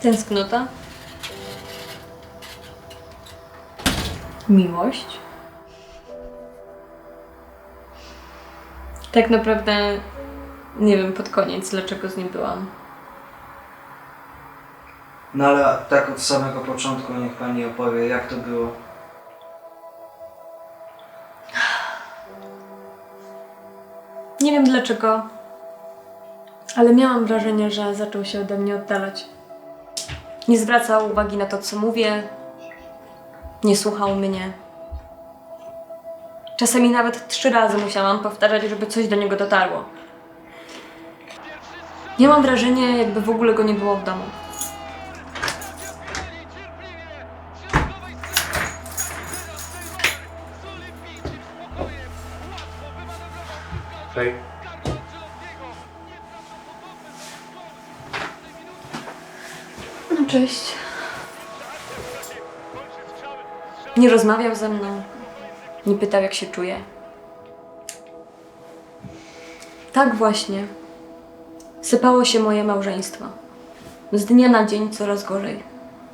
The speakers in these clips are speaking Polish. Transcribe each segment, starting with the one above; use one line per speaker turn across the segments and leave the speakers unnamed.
Tęsknota? Miłość? Tak naprawdę nie wiem pod koniec, dlaczego z nim byłam.
No ale tak od samego początku niech pani opowie, jak to było.
Nie wiem dlaczego, ale miałam wrażenie, że zaczął się ode mnie oddalać. Nie zwracał uwagi na to, co mówię, nie słuchał mnie. Czasami nawet 3 razy musiałam powtarzać, żeby coś do niego dotarło. Miałam wrażenie, jakby w ogóle go nie było w domu.
Hej.
No cześć. Nie rozmawiał ze mną. Nie pytał, jak się czuję. Tak właśnie sypało się moje małżeństwo. Z dnia na dzień coraz gorzej.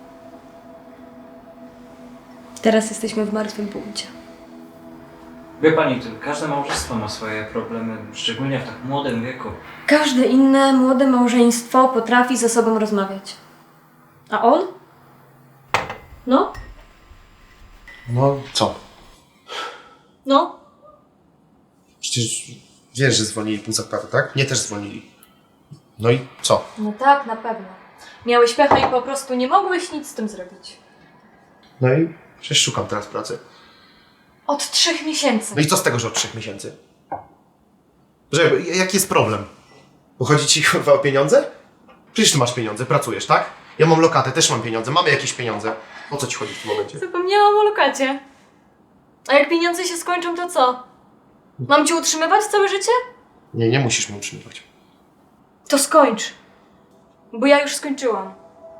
Teraz jesteśmy w martwym punkcie.
Wie pani, to każde małżeństwo ma swoje problemy, szczególnie w tak młodym wieku.
Każde inne młode małżeństwo potrafi ze sobą rozmawiać. A on? No?
No co?
No?
Przecież wiesz, że zwolnili pół zakładu, tak? Mnie też zwolnili. No i co?
No tak, na pewno. Miałeś pecha i po prostu nie mogłeś nic z tym zrobić.
No i przecież szukam teraz pracy.
Od 3 miesięcy.
No i co z tego, że od 3 miesięcy? Że, jaki jest problem? Bo chodzi ci chyba o pieniądze? Przecież ty masz pieniądze, pracujesz, tak? Ja mam lokatę, też mam pieniądze, mamy jakieś pieniądze. O co ci chodzi w tym momencie?
Zapomniałam o lokacie. A jak pieniądze się skończą, to co? Mam cię utrzymywać całe życie?
Nie, nie musisz mnie utrzymywać.
To skończ. Bo ja już skończyłam.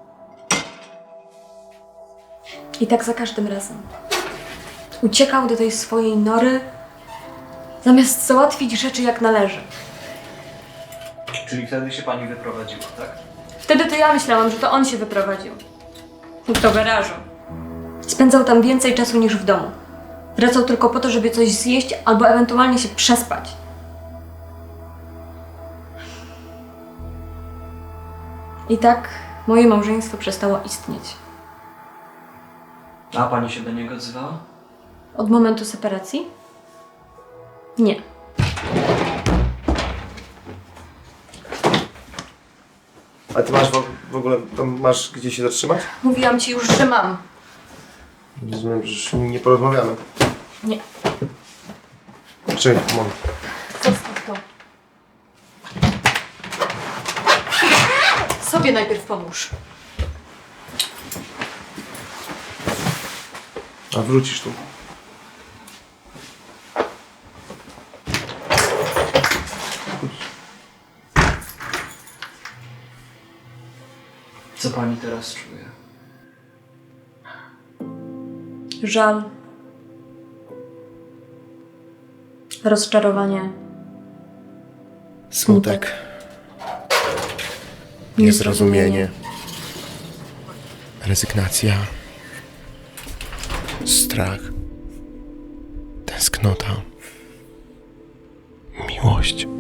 I tak za każdym razem. Uciekał do tej swojej nory, zamiast załatwić rzeczy jak należy.
Czyli wtedy się pani wyprowadziła, tak?
Wtedy to ja myślałam, że to on się wyprowadził. Do garażu. Spędzał tam więcej czasu niż w domu. Wracał tylko po to, żeby coś zjeść albo ewentualnie się przespać. I tak moje małżeństwo przestało istnieć.
A pani się do niego odzywała?
Od momentu separacji? Nie.
A ty masz w ogóle, tam masz gdzie się zatrzymać?
Mówiłam ci już, że mam.
Rozumiem, że nie porozmawiamy.
Nie.
Czekaj, moment.
Zostaw to. Sobie najpierw pomóż.
A wrócisz tu.
Co pani teraz czuje?
Żal. Rozczarowanie.
Smutek. Niezrozumienie. Rezygnacja. Strach. Tęsknota. Miłość.